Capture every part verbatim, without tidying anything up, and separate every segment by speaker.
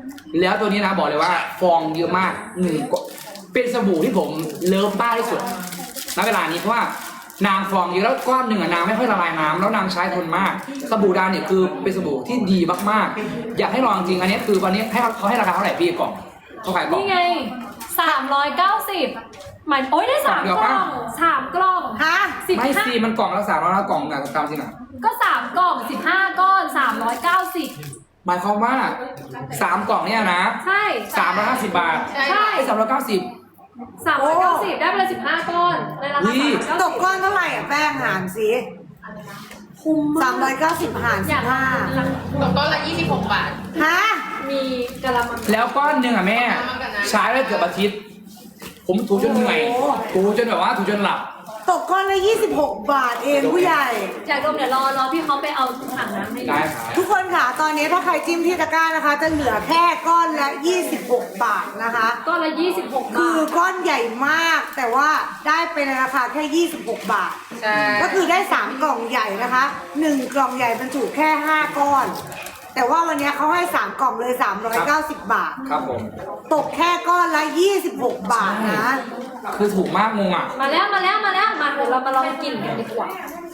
Speaker 1: แล้วตัวนี้นะบอกเลยว่าฟองเยอะมากหนึ่งเป็นสบู่ที่ผมเลิฟมากที่สุดณเวลานี้เพราะว่านางฟองเยอะแล้วก้อนหนึ่งอะนางไม่ค่อยละลายน้ำแล้วนางใช้ทนมากสบู่ดาวเนี่ยคือเป็นสบู่ที่ดีมากๆอยากให้ลองจริงอันนี้คือวันนี้ให้เขาให้ราคาเท่าไหร่พี่กล่องเขาขายกล่อง
Speaker 2: นี่ไงสามร้อยเก้าสิบหมายโอ้ยได้สาม
Speaker 1: กล่
Speaker 2: ก
Speaker 1: องเดียว
Speaker 2: ล่
Speaker 1: ปะ
Speaker 2: องสามกล่อง
Speaker 3: ฮะ
Speaker 2: สิบ
Speaker 1: ไม่
Speaker 2: ห้า
Speaker 1: สิมันกล่องละสามร้อยละกล่องนะตามจริงอ่ะ
Speaker 2: ก็สามกล่องสิบห้าก้อนสามร้อยเก้าสิบ
Speaker 1: หมายความว่าสามกล่องเนี่ยนะ
Speaker 2: ใช่
Speaker 1: สามร้อยห้าสิบบาท
Speaker 2: ใช่
Speaker 1: ไอ้สามร้อยเก้าสิบ
Speaker 2: สามร้อยเก้าสิบได้ไปเลยสิบห้าก้อนในราคา
Speaker 1: นี่
Speaker 2: สาม
Speaker 3: ต
Speaker 2: ร้อย
Speaker 3: ก
Speaker 2: เก้าสิบ
Speaker 3: ก้อนเท่าไหร่อ่ะแป้งหารสิ
Speaker 2: คุ้ม
Speaker 3: สามร้อยเก้าสิบหาร
Speaker 2: อ
Speaker 3: สิ
Speaker 2: ยาก
Speaker 3: บห้า
Speaker 4: ตกก้อนละยี่สิบหกบาท
Speaker 3: ฮะ
Speaker 2: มีกะละมัง
Speaker 1: แล้วก้อนหนึ่งอ่ะแม่ใช้ได้เกือบอาทิตย์ ผมถูจนเหนื่อยถูจนแบบว่าถูจนหลับ
Speaker 3: ตกก้อนละยี่สิบหกบาทเองผู้ใหญ่
Speaker 2: อยากดมเดี๋ยวรอรอพี่เขาไปเอาถังน้ำให้ดู
Speaker 1: ได้ครับ
Speaker 3: ทุกคนค่ะ ตอนนี้ถ้าใครจิ้มที่ตะกร้านะคะ จะเหลือแค่ก้อนละยี่สิบหกบาทนะคะ
Speaker 2: ก้อนละยี่สิบหก
Speaker 3: คื
Speaker 2: บา
Speaker 3: อ
Speaker 2: ท
Speaker 3: ก้อนใหญ่มาก แต่ว่าได้ไปในราคาแค่ยี่สิบหกบาท
Speaker 4: ใช่
Speaker 3: ก็คือได้สามกล่องใหญ่นะคะหนึ่งกล่องใหญ่บรรจุแค่ห้าก้อน แต่ว่าวันนี้เขาให้สามกล่องเลยสามร้อยเก้าสิบบาท
Speaker 1: ครับผม
Speaker 3: ตกแค่ก้อนละยี่สิบหกบาทนะ
Speaker 1: คือถูกมากงงอ่ะ
Speaker 2: มาแล้วมาแล้วมาแล้วมาเดี๋ยวเรามาลองกินกันดีกว่า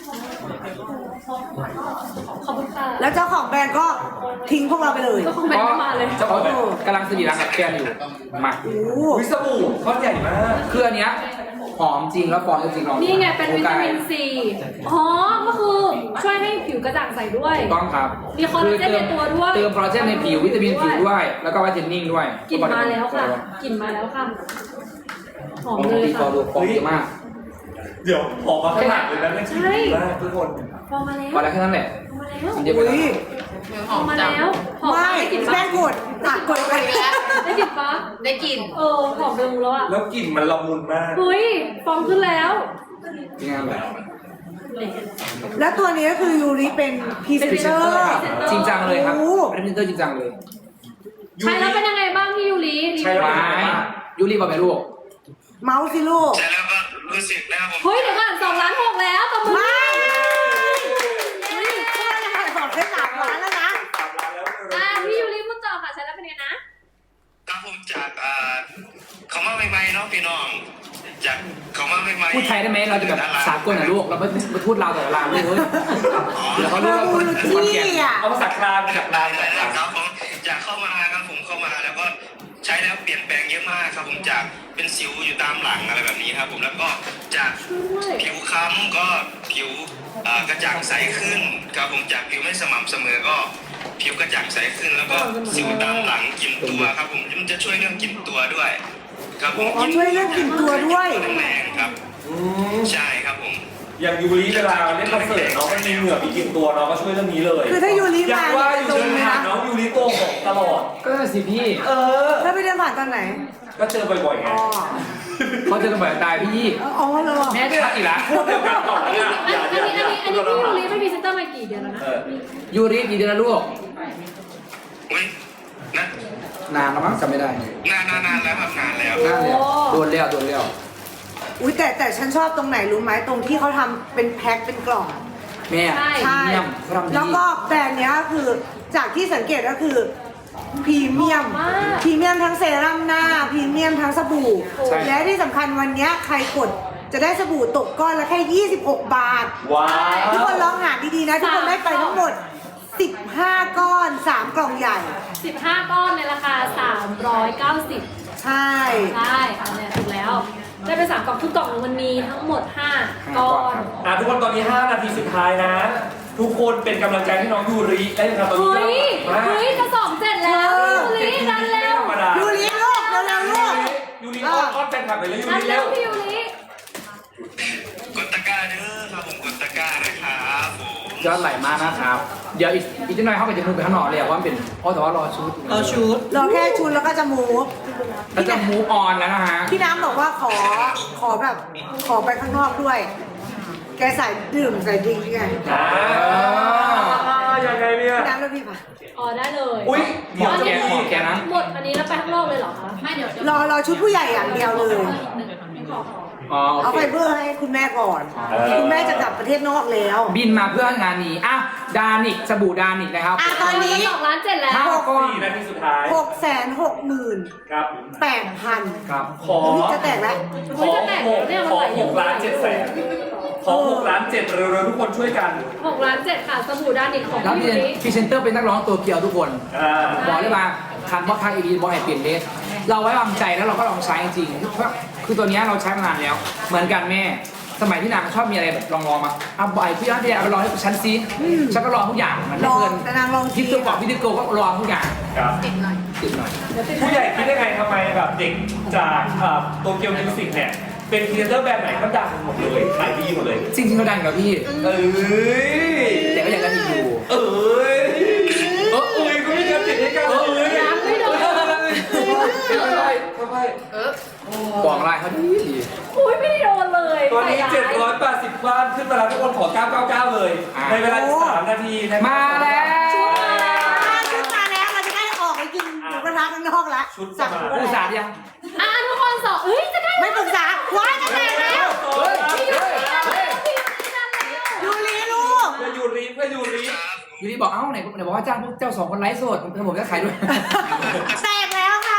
Speaker 2: ขอบคุณค่ะ
Speaker 3: แล้วเจ้าของแบรนด์ก็ทิ้งพวกเราไปเลย
Speaker 2: ก็คงไม่ได้มาเลย
Speaker 1: เจ้าของแบบกำลังสนิทรักกับแฟนอยู่มา
Speaker 3: โอ้โห
Speaker 5: วิสบู่ก้อนใหญ่มาก
Speaker 1: คืออันเนี้ยหอมจริงแล้วฟองจริงๆลองดู
Speaker 2: นี่ไงเป็นวิตามิน
Speaker 1: โ
Speaker 2: ซีอ๋อก็คือช่วยให้ผิวกระจ่างใสด้วย
Speaker 1: ถูกต้องครับ
Speaker 2: มีคอลลาเจนในตัวด้วย
Speaker 1: เติมคอลลาเจนในผิววิตามินผิวด้วย แล้วก็ไวท์เทนนิ่งด้วย
Speaker 2: กลิ่นมาแล้วค่ะกลิ่นมาแล้วค่ะหอมเลย
Speaker 1: ฟอ
Speaker 2: ค่ะ
Speaker 1: งดูฟองเยอะมาก
Speaker 5: เดี๋ยวออกมาขนาดเลยนะเนี่ย
Speaker 2: ใช่
Speaker 5: มากทุกคน
Speaker 2: ฟองมาแล้ว
Speaker 1: พอแล้วแค่นั้นแหละ
Speaker 2: ฟองมาแล้ว
Speaker 1: มันเยอะไป
Speaker 3: อุ้
Speaker 1: แล้ว
Speaker 3: ย
Speaker 2: ฟองมาแล้วหอม
Speaker 3: ไม่
Speaker 2: ได้กลิ่น
Speaker 3: แป้
Speaker 2: ปะ
Speaker 3: งกดอ่ะกดไป
Speaker 2: ได้กลิ่นปะ
Speaker 4: ได้กลิ่น
Speaker 2: เออหอมเดิมแล้วอ่ะ
Speaker 5: แล้วกลิ่นมันละมุนมาก
Speaker 2: เฮ้ยฟองขึ้นแล้ว
Speaker 1: จริงงานแบบ
Speaker 3: แล้วตัวนี้ก็คือยูริเป็นพรีเซน
Speaker 1: พรี
Speaker 3: เต
Speaker 1: เซ
Speaker 3: อน
Speaker 1: เตอ
Speaker 3: ร์
Speaker 1: ร์จริงจังเลยครับ
Speaker 3: โอ้
Speaker 1: เป็นพรีเซนเตอร์จริงจังเลย
Speaker 2: ใช้แล้วเป็นยังไงบ้างพี่ยูริ
Speaker 5: ใช่แล้ว
Speaker 1: ไม้ยูรีบอกไปลูก
Speaker 3: เมาส์สิลูก
Speaker 6: ใช่แล้วก็รู้สึกนะครับผม
Speaker 2: เฮ้ยเดี๋ยวก่อนสองล้านหกแล้วตบมือ
Speaker 3: ไม่เฮ้ยพวกเราขอได้สามล้านแล้วนะ
Speaker 2: อ่าพี่ยูริพูดต่อค่ะใช้แล้วเป็นไงนะ
Speaker 6: ครับผมจากอ่าเขามาใหม่ๆเนาะพี่น้องจากเขามาใหม่ๆ
Speaker 1: พูดไทยได้ไหมเราจะแบบสากลหน่อยลูกเราไม่ไม่พูดลาวแต่ลาวเลยเฮ้ยเดี๋ยวเขารู้ว่าคนคนเกลียด
Speaker 3: ที่อ่ะ
Speaker 5: เอาภาษากลางมาจากกลาง
Speaker 6: ได้
Speaker 5: จากก
Speaker 6: แล้
Speaker 5: ลาว ง
Speaker 6: ครับผมจากเข้ามาครับผมเข้ามาแล้วก็ใช้แล้วเปลี่ยนแปลงเยอะมากครับผมจากเป็นสิวอยู่ตามหลังอะไรแบบนี้ครับผมแล้วก็จาก
Speaker 2: ช่วย
Speaker 6: ผิวค้ำก็ผิวอ่ากระจ่างใสขึ้นครับผมจากผิวไม่สม่ำเสมอก็ผิวกระจ่างใสขึ้น แล้วก็สิวตามหลังกลิ่นตัวครับผมมันจะช่วยเรื่องกลิ่นตัวด้วย ครับผม
Speaker 3: อ๋อช่วยเรื่องกลิ่นตัวด้วย
Speaker 6: แรงๆครับ
Speaker 5: อืม
Speaker 6: ใช่ครับผม
Speaker 5: อย่างยูริเวลาเล่นคอนเสิร์ตเนาะมันมีเหงื่อมีกลิ่นตัวเนาะก็ช่วยเรื่องนี้เลย
Speaker 3: คือถ้ายูริ
Speaker 5: อยาก
Speaker 3: มา
Speaker 5: ว่าอยู่
Speaker 3: ตร
Speaker 5: เดิ
Speaker 3: ง
Speaker 5: น
Speaker 3: ไหม
Speaker 5: ผ่าน
Speaker 3: นะ
Speaker 5: น้องยูริโกหกตลอด
Speaker 1: ก็นั่นสิพี่
Speaker 5: เออ
Speaker 3: แล้วไปเดินผ่านตอนไหน
Speaker 5: ก็เจอบ่อยๆไง
Speaker 3: อ๋อ
Speaker 1: เขาเจอกันบ่อยตายพี่ยี่
Speaker 3: อ๋อเหรอ
Speaker 1: แม่ชัดอีกแล้ว
Speaker 5: พูดเดียวกันต่อเลยอ่ะ
Speaker 2: อัน
Speaker 5: อย่า
Speaker 2: นี้
Speaker 5: อ
Speaker 2: อัน
Speaker 5: ย่า
Speaker 2: นี้
Speaker 5: อย่า
Speaker 2: อันนี้พี่ยูริไม่มีเซนเตอร์มากี่เดือนแล้วนะ
Speaker 5: เออ
Speaker 1: ยูริกี่เดือนแล้วลูก
Speaker 6: อุ้ยนะ
Speaker 1: นานแล้วมั้งจำไม่ได้
Speaker 6: นานนานๆแล้วครับนานแล้ว
Speaker 1: นานแล้วโดนแล้วโดนแล้ว
Speaker 3: อุ้ยแต่แต่ฉันชอบตรงไหนรู้ไหมตรงที่เขาทำเป็นแพ็คเป็นกล่อง
Speaker 1: แม่
Speaker 2: ใช่
Speaker 3: ใช่
Speaker 1: เยี่ยมเขาทำดี
Speaker 3: แล้วก็แบรนด์เนี้ยก็คือจากที่สังเกตก็คือพรีเมียม
Speaker 2: มาก
Speaker 3: พรีเมียมทั้งเซรั่มหน้าพรีเมียมทั้งสบู่
Speaker 1: ใช่
Speaker 3: และที่สำคัญวันเนี้ยใครกดจะได้สบู่ตกก้อนละแค่ยี่สิบหกบาท
Speaker 5: ว้า
Speaker 3: ทุก
Speaker 5: ว
Speaker 3: คนลองหาดีๆนะ ทุกคนได้ไปทั้งหมดสิบห้าก้อนสามกล่องใหญ่
Speaker 2: สิบห้าก้อนในราคาสามร้อยเก้าสิบ
Speaker 3: ใช่
Speaker 2: ใช่อันเนี้ยถูกแล้ว ได้ไปสามกล่องทุกกล่องมันมีทั้งหมดห้าก้อน
Speaker 5: อ่ะทุกคนตอนนี้ห้านาทีสุดท้ายนะ ทุกคนเป็นกำลังใจให้น้องยูริได้เลยครับตอนนี้
Speaker 2: เฮ้ย
Speaker 5: มา
Speaker 2: เฮ้ยกระสอบเสร็จแล้วพี่ยูริดันเร็ว
Speaker 5: ธรรมดา
Speaker 3: ยูริลูกเร็วๆลูก
Speaker 5: ยูริอ้อนอ้อนแฟนคลับเลยแล้วยู
Speaker 2: ดัน
Speaker 5: ริ
Speaker 2: เร็
Speaker 5: เร็
Speaker 2: ว
Speaker 5: ว
Speaker 2: พี่ยูริ
Speaker 6: กดตะกร้าเด้อครับผมกดตะกร้านะครับผม
Speaker 1: ยอดไหลมากนะครับ เดี๋ยวอีกอีกนิดหน่อยเข้าไปจะมูฟไปข้างนอกเลยอะว่ามันเป็นเพราะแต่ว่ารอชุดรอชุด
Speaker 3: รอแค่ชุดแล้วก็จะมูฟ
Speaker 1: แล้วจะมูฟออนแล้วนะฮะ
Speaker 3: พี่น้ำบอกว่าขอขอแบบขอไปข้างนอกด้วย แกใส่ดื่มใส่ดิ้งไง
Speaker 5: อ่ายังไงเนี่ย
Speaker 3: พี่น้ำแล้วพี่ป่ะ
Speaker 2: อ๋อได้เลย
Speaker 5: อุ้ย
Speaker 1: หมอแกหมอแกนะ
Speaker 2: หมดอันนี้แล้วไปข้างนอกเลยเหรอคะไม่เดี๋ยว
Speaker 3: รอรอชุดผู้ใหญ่อย่างเดียวเลย
Speaker 2: ไม่ขอ
Speaker 5: อ
Speaker 1: อ๋อโอ
Speaker 3: เอา
Speaker 1: เค
Speaker 3: ไฟเบอร์ให้คุณแม่ก่อน
Speaker 5: เออ
Speaker 3: คุณแม่จะกลับประเทศนอกแล้ว
Speaker 1: บินมาเพื่องานนี้อ่ะดานิกสบู่ดานิกนะครับ
Speaker 3: อ่ะตอนนี้
Speaker 2: สองล้านเจ็ดแล้ว
Speaker 1: ห้าก้อน
Speaker 5: สี่นาทีสุดท้าย
Speaker 3: หกแสนหกหมื่น
Speaker 5: ครับ
Speaker 3: แปดพัน
Speaker 1: ครับ
Speaker 5: ขอ
Speaker 3: จะแตกแล้ว
Speaker 5: ขอหกขอหกล้านเจ็ดแสนขอหกล้านเจ็ดเร็วๆทุกคนช่วยกัน
Speaker 2: หกล้านเจ็ดค่ะสบู่ด้านอีกของ
Speaker 1: แล้ว
Speaker 2: พี่
Speaker 1: พรี
Speaker 2: ยุ้ย
Speaker 1: เซนเตอร์เป็นนักร้องตัวเกียวทุกคน
Speaker 5: อ่า
Speaker 1: บอกเลยว่าคันว่าคันอีวีบอยเปลี่ยนเลสเราไว้วางใจแล้วเราก็ลองใช้จริงๆเพราะคือตัวเนี้ยเราใช้มานานแล้ว เหมือนกันแม่ สมัยที่นางชอบมีอะไรแบบลองลองๆมาเอาบ่อยพี่อาร์ตเอาไปลองให้ฉันซิฉันก็ลองทุกอย่างมัน
Speaker 3: ล
Speaker 1: ไม่
Speaker 3: อง
Speaker 1: เกิน
Speaker 3: แต่นางลอง
Speaker 1: พี่
Speaker 3: ที
Speaker 1: ตัวบอกพี่ดิโก้ก็ลองทุกอย่าง
Speaker 5: ครับ
Speaker 4: ติดหน่อย
Speaker 1: ติดหน่อย
Speaker 5: ผู้ใหญ่คิดได้ไงทำไมแบบเด็กจากโตเกียวมิวสิกเนี่ยเป็นพรีเซนเตอร์แบรนด์ไหนก็ดังหมดเลยขายดีหมดเลย
Speaker 1: จริงๆเขาดังอยู่แล้วพี่
Speaker 5: เอ้ย
Speaker 1: แต่ก็ยังได้อยู่
Speaker 5: เอ้ยเออเอ้ยก็มีการติดให้กันเอ้ย
Speaker 2: ยังไม่โดน
Speaker 5: ค่อยๆค่อย
Speaker 4: เออ
Speaker 1: บอกอะไรเขาดีดี
Speaker 2: อุ้ยไม่ได้โดนเลย
Speaker 5: ๆตอนนี้
Speaker 2: ใส่
Speaker 5: เจ็ด
Speaker 2: ร้าย
Speaker 5: ร้อยแปดสิบบ้านขึ้นมาแล้วทุกคนขอเก้าเก้าเก้าเลย ในเวลาอีกสามนาทีนะครับ
Speaker 1: มาแล้ว
Speaker 3: ชุดมาแล้วเราจะได้ออกไปกินหมูกระทะข้างนอกแล้ว
Speaker 5: ชุดส
Speaker 3: สั่ง
Speaker 5: มา
Speaker 3: หมูก
Speaker 1: อุ
Speaker 3: ระ
Speaker 1: ตส่า
Speaker 3: ทะ
Speaker 1: ห์ยัง
Speaker 2: อ่ะทุกคนสองเฮ้ยจะได้
Speaker 3: ไม่ปรึกษาว้ายจะแตกแล้ว
Speaker 1: เฮ้ยเฮ้ยเฮ้ย
Speaker 3: ยูรีลูก
Speaker 5: เพื่อยูริเพื่อยูริ
Speaker 1: อยู่ดีบอกเอ้าไหนไหนบอกว่าจ้างพวกเจ้าสองคนไลฟ์สดผมผมจะขายด้วย
Speaker 3: แตกแล้วค่ะ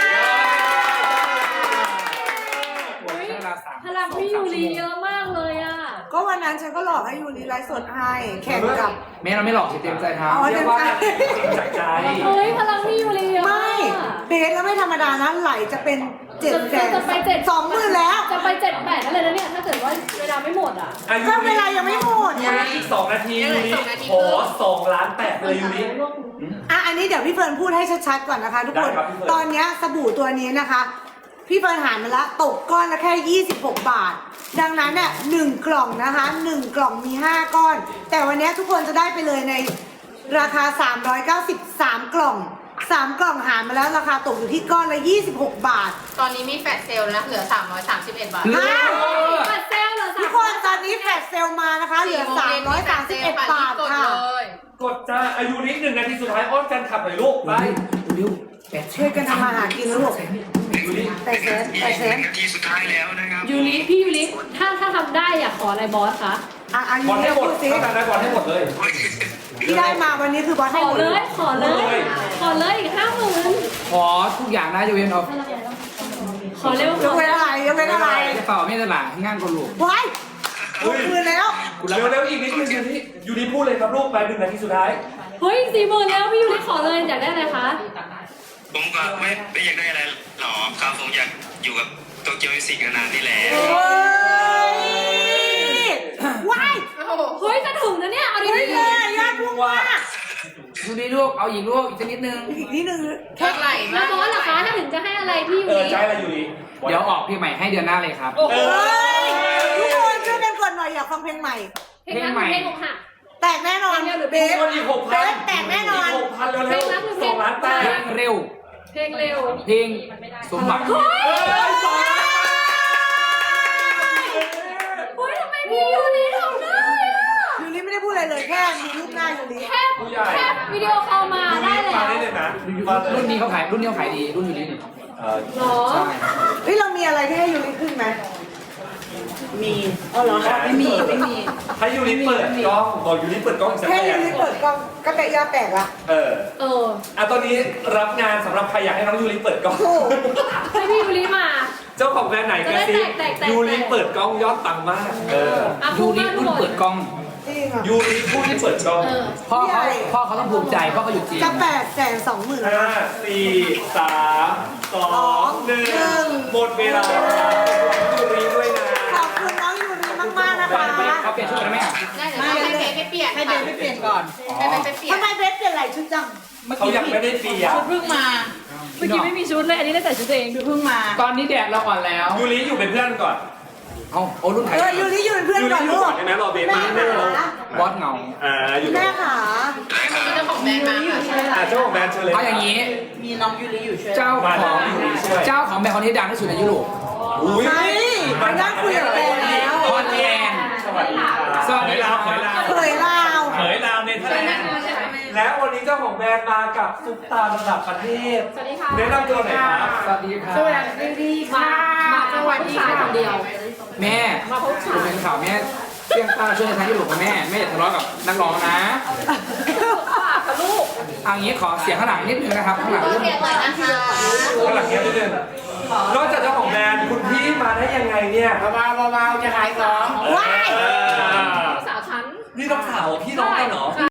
Speaker 2: พลังพี่ยูรีเยอะมากเลยอ่ะ
Speaker 3: ก็วันนั้นฉันก็หลอกให้ยูรีไลฟ์สดให้แข่งกับ
Speaker 1: แม่เราไม่หลอกสิเต็มใจทำ
Speaker 3: อ๋อ
Speaker 5: เรียกว่าจากใจ
Speaker 2: เฮ้ยพลังพี่ยูรีเยอะ
Speaker 3: ไม่
Speaker 2: มาก
Speaker 3: เบสแล้วไม่ธรรมดานะไหลจะเป็นเจ็ดแสน
Speaker 2: จะไปเจ็ด
Speaker 3: สองหมื่นแล้ว
Speaker 2: จะไปเจ็ดแปดนั่นเลยนะเนี่ยถ้าเกิดว่าเวลาไม่หมดอ่ะ
Speaker 5: อายุ
Speaker 3: ก็เวลายังไม่หมด
Speaker 5: ยูริอีกสองนาทียูริขอสองล้านแปดเลยยูริ
Speaker 3: อ่ะอันนี้เดี๋ยวพี่เฟิร์นพูดให้ชัดๆก่อนนะคะทุกคน
Speaker 5: ได้ครับพี่เฟิร์น
Speaker 3: ตอนเนี้ยสบู่ตัวนี้นะคะ พี่เฟิร์นหารมาละตกก้อนละแค่ยี่สิบหกบาท ดังนั้นเนี่ยหนึ่งกล่องนะคะหนึ่งกล่องมีห้าก้อน แต่วันเนี้ยทุกคนจะได้ไปเลยในราคาสามร้อยเก้าสิบสามกล่องสามกล่องหารมาแล้วราคาตกอยู่ที่ก้อนละยี่สิบหกบาท
Speaker 4: ตอนนี้มีแฟลชเซลล์นะ เหลือ สามร้อยสามสิบเอ็ด บาท
Speaker 1: เลิศ
Speaker 2: ปัดเซลเหรอ
Speaker 3: ทุกคนตอนนี้แฟลชเซลมานะคะเหลือสามร้อยสามสิบเอ็ดบาทค่ะ
Speaker 5: กดจ้าอายุริหนึ่งนาทีสุดท้ายอ้อนกันขับหน่อยลูกไป
Speaker 1: เร็วแปด
Speaker 3: ช่วยกันทำมาหากินแล้วลูก
Speaker 5: ยูริ
Speaker 3: แปดแสนแปดแสน
Speaker 6: นาทีสุดท้ายแล้วนะครับ
Speaker 2: ยูริพี่ยูริถ้าถ้าทำได้อยากขออะไรบอสคะ
Speaker 3: อ่ะอายุ
Speaker 5: บอลให้
Speaker 3: เรียก
Speaker 5: หมด
Speaker 3: พูดสิ
Speaker 5: ถ้าทำได้บอลให้หมดเลย
Speaker 3: ที่ได้มาวันนี้คือบอส
Speaker 2: ข
Speaker 3: ให้
Speaker 2: อ
Speaker 3: หมด
Speaker 2: เลย ขอเลย ขอเลยอีกห้าหมื่น
Speaker 1: ขอทุกอย่างนะยกเว้นเอา
Speaker 2: ขอเร็วย
Speaker 3: กเว้นอะไรยกเว้นอะไร
Speaker 1: กระเป๋าไม่ตลาดงานคนลูก
Speaker 3: ไว้หมดคืนแล้ว
Speaker 5: เร็วเร็วๆอีกนิดนึงยูริยูริพูดเลยครับลูกไปหนึ่งนาทีสุดท้าย
Speaker 2: เฮ้ยสี่หมื่นแล้วพี่ยูริขอเลยอยากได้อะไรคะ
Speaker 6: ผมก็ไม่ไม่อยากได้อะไรหรอกครับผมอยากอยู่กับโตเกียวมิวสิกนานๆนี่แหละ
Speaker 3: เฮ้ยว้าย
Speaker 2: เฮ้ยจะถึงนะเนี่ยเอาดี
Speaker 3: เฮ้ย
Speaker 2: ๆ
Speaker 3: เลยยอดพุ่งมาก
Speaker 1: ดูดีลูกเอาอีกลูกอีกสักนิดนึง
Speaker 3: อีกนิดนึง
Speaker 4: เท่าไหร่
Speaker 2: แล้
Speaker 4: มาว ก
Speaker 2: บอสล่ะคะถ้าถึงจะให้อะไรพี่ยู
Speaker 5: เออ
Speaker 2: ริ
Speaker 5: ใช่ละยูริ
Speaker 1: เดี๋ยวออกเพลงใหม่ให้เดือนหน้าเลยครับ
Speaker 2: โอ้โห
Speaker 3: เฮ้ยทุกคนช่วยกันกดหน่อยอยากฟังเพลงใหม่
Speaker 2: เพลงนั้นหรือเพลงอกหัก
Speaker 3: แตกแน่นอน
Speaker 2: เพลงเดียวหรือ
Speaker 3: เบส
Speaker 5: คนอีกหก
Speaker 3: เบ
Speaker 5: พัน
Speaker 3: สแตกแน่นอน
Speaker 5: หกพันเร็วเร็วๆสองล้านแป
Speaker 1: เพล
Speaker 5: ด
Speaker 1: งเร็ว
Speaker 2: เพลงเร็ว
Speaker 1: เพลงสมบัติ
Speaker 2: เฮ้ย
Speaker 5: เอ้ยสองล้านแปด
Speaker 2: เฮ้ยทำไมพี่ยูริทำได้อะ
Speaker 3: ยูริไม่ได้พูดอะไรเลยแค่มีรูปหน้ายูริ
Speaker 2: แค่แค่วิดีโอคอลมา
Speaker 5: ยู
Speaker 2: ได้
Speaker 5: ริ
Speaker 2: แล้
Speaker 5: มาว ได้เลยนะมาเลย
Speaker 1: รุ่นนี้เขาขายรุ่นนี้เขาขายดีรุ่นอยู่นี่
Speaker 5: เออ
Speaker 2: หรอ
Speaker 1: ใช่
Speaker 3: เฮ้ยเรามีอะไรที่ให้ยูริขึ้นไหมมีอ๋อเหรอไม่มีไม่มี
Speaker 5: ให้ยูริเปิดกล้องบอกยูริเปิดกล้องอีกสัก
Speaker 3: แค่
Speaker 5: แป
Speaker 3: ยู
Speaker 5: ด
Speaker 3: ริเปิดกล้องก็แตกยาแตกละ
Speaker 5: เออ
Speaker 2: เออ
Speaker 5: อ่ะตอนนี้รับงานสำหรับใครอยากให้น้องยูริเปิดกล้อง
Speaker 3: ถูก
Speaker 2: ให้พี่ยูริมา
Speaker 5: เจ้าของแบรนด์ไหนกันสิ
Speaker 2: จะได้แตกแตก
Speaker 5: ยูริเปิดกล้องยอดตังมาก เออ
Speaker 2: อ่ะ
Speaker 1: ยู
Speaker 2: พูด
Speaker 1: ริ
Speaker 2: มาทุ
Speaker 1: รุ่
Speaker 2: ก
Speaker 1: น
Speaker 2: คน
Speaker 1: เปิดกล้อง
Speaker 3: จริงอ่ะ
Speaker 5: ยูริผู้ที่เปิดกล้อง
Speaker 2: เออ
Speaker 1: พ่อเขาพ่อเขาต้องภูมิใจพ่อเขาอยู่จริง
Speaker 3: จะแปดแสนสองหมื่น
Speaker 5: ห้าสี่สามสองหนึ่งหมดเวลายูริด้วยนะ
Speaker 3: ขอบคุณน้องยูริมากๆนะคะ
Speaker 1: เขาเปลี่ยนชุดแล้วไหมอ่ะ
Speaker 4: ได้เดี๋ยวให้เบสไปเปลี่ยน
Speaker 3: ให้เบสไปเปลี่ยนก่อน
Speaker 4: ให้เบสไปเปลี่ยน
Speaker 3: ทำไมเบสเปลี่ยนหลายชุดจัง
Speaker 5: เขายังไม่ได้เปลี่ยน
Speaker 3: เพิ่งมา
Speaker 2: เมื่อกี้ไม่มีชุดเลย อันนี้ได้ใส่ชุดตัวเอง
Speaker 3: เพิ่งมา
Speaker 1: ตอนนี้แดดเราอ่อนแล้ว
Speaker 5: ยูริอยู่เป็นเพื่อนก่อน
Speaker 1: เอาโอ้รุ่นไทย
Speaker 3: เออยูริอยู่เป็นเพื่อน
Speaker 5: ยู
Speaker 3: ก่
Speaker 5: ริ
Speaker 3: อน
Speaker 5: อยู่
Speaker 3: ลูก
Speaker 5: ก่อนได้ไหมรอเบส
Speaker 3: แม่
Speaker 5: มา
Speaker 3: ขา
Speaker 1: บอสเหงา
Speaker 5: อ่าอยู่
Speaker 3: แม่ขา
Speaker 4: เจ้าของแบรนด์มาค่ะ
Speaker 5: อ่าเจ้าของแบรนด์เชิญเลย
Speaker 1: เอาอย่างนี้
Speaker 3: มีน้องยูริอยู่ช่วย
Speaker 1: เจ้า
Speaker 5: มา
Speaker 1: ของ
Speaker 5: ยูริช่วย
Speaker 1: เจ้าของแบรนด์คนที่ดังที่สุดในยุโรป
Speaker 5: อุ้ย
Speaker 3: ใช่ไปนั่งคุยกับแกแล้ว
Speaker 1: คอนแอน
Speaker 5: สวัสดีครับ
Speaker 1: สวัสดีครับ
Speaker 5: เขยลาว
Speaker 3: เคยเล่า
Speaker 5: เขยลาวเนเธอร์แลนด์และวันนี้เจ้าของแบรนด์มากับซุปตาระดับประเทศ
Speaker 2: สวัสดีค่ะ
Speaker 5: แนะนำตัวหน่อยครับ
Speaker 1: สวัสดีครับ
Speaker 2: มา มาจังหวัดที่ชายคนเดียว
Speaker 1: แม่
Speaker 2: มาพบ
Speaker 1: ผมเป็นข่าวแม่เสี่ยงป้าช่วยทางที่หลบกับแม่แม่อย่าทะเลาะกับนักร้องนะ
Speaker 2: ฝากค่ะลูก
Speaker 1: เอางี้ขอเสียงข้างหลังนิดนึงนะครับข้างหลัง
Speaker 4: โอ
Speaker 1: นิด
Speaker 4: เค
Speaker 1: นึง
Speaker 4: เลยนะคะ
Speaker 5: ข้างหลังเนี้ยนิดนึงนอกจากเจ้าของแบรนด์คุณพี่มาได้ยังไงเนี่ย
Speaker 1: เบาๆเบาๆจะขายของ
Speaker 3: ว้าย
Speaker 5: เออ
Speaker 2: สาวชั้น
Speaker 5: นี่น้องสาวพี่น้องกันเหรอ